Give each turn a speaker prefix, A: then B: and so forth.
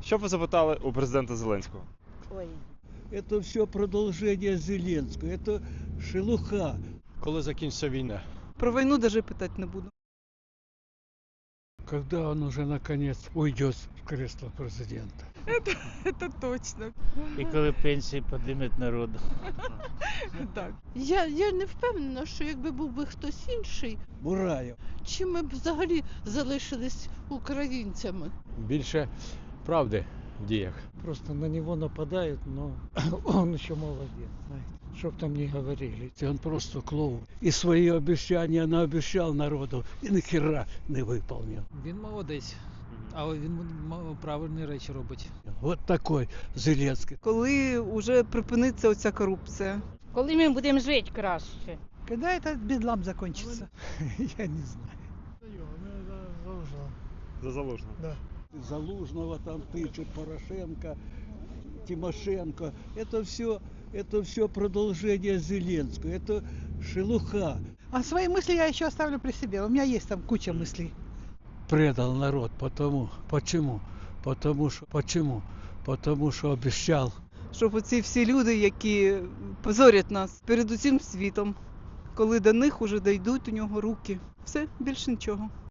A: Що б ви запитали у президента Зеленського?
B: Ой,
C: Это все продолжение Зеленского, это шелуха.
D: Коли закінчиться війна?
E: Про війну навіть питати не буду.
C: Когда он уже наконец уйдет с кресла президента?
E: Це точно.
F: І коли пенсії підіймуть народу.
E: Так.
B: я не впевнена, що якби був би хтось інший,
C: Бураев.
B: чи ми б взагалі залишились українцями.
D: Більше правди в діях.
G: Просто на него нападают, но он еще молодец, знаете. Чтоб там ни говорили.
C: Он просто клоун. И свои обещания наобещал народу, и нахера не выполнил.
H: Він молодець, але він правильні речі робить.
C: Вот такой Зеленский.
E: Коли вже припиниться оця корупція?
I: Коли ми будемо жити краще?
J: Когда этот бедлам закончится?
G: Я не знаю.
A: За Залужного.
C: Залужного там тычет, Порошенко, Тимошенко. Это все продолжение Зеленского. Это шелуха.
J: А свои мысли я еще оставлю при себе. У меня есть там куча мыслей.
C: Предал народ. Почему? Потому что обещал.
E: Щоб оці всі люди, які позорять нас перед усім світом, коли до них уже дійдуть у нього руки. Все, більше нічого.